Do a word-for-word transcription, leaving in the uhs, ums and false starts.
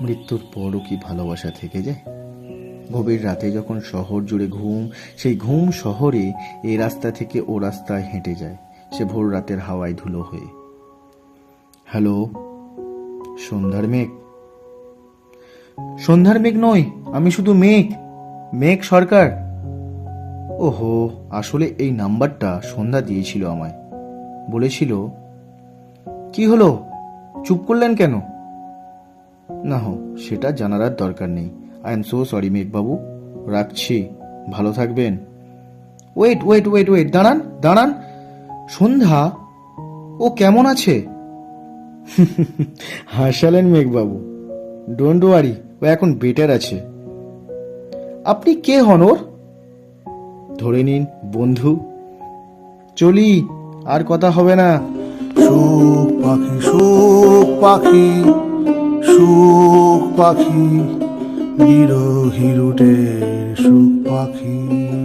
মৃত্যুর পরও কি ভালোবাসা থেকে যায়? গভীর রাতে যখন শহর জুড়ে ঘুম, সেই ঘুম শহরে এই রাস্তা থেকে ও রাস্তায় হেঁটে যায়, সে ভোর রাতের হাওয়ায় ধুলো হয়ে। হ্যালো, সন্ধ্যার মেঘ? সন্ধ্যার মেঘ নয়, আমি শুধু মেঘ, মেঘ সরকার। ওহো, আসলে এই নাম্বারটা সন্ধ্যা দিয়েছিল আমায়। বলেছিল, কি হলো, চুপ করলেন কেন? না হো, সেটা জানার আর দরকার নেই। আই এম সো সরি মেঘবাবু, রাখছি, ভালো থাকবেন। ওয়েট ওয়েট ওয়েট ওয়েট দাঁড়ান দাঁড়ান, সন্ধ্যা, ও কেমন আছে? হাসালেন মেঘবাবু। ডোন্ট ওয়ারি, ও এখন বেটার আছে। আপনি কে হন ওর? ধরে নিন বন্ধু। চলি, আর কথা হবে না। সুখ পাখি সুখ পাখি সুখ পাখি বিরহী রুটের সুখ পাখি।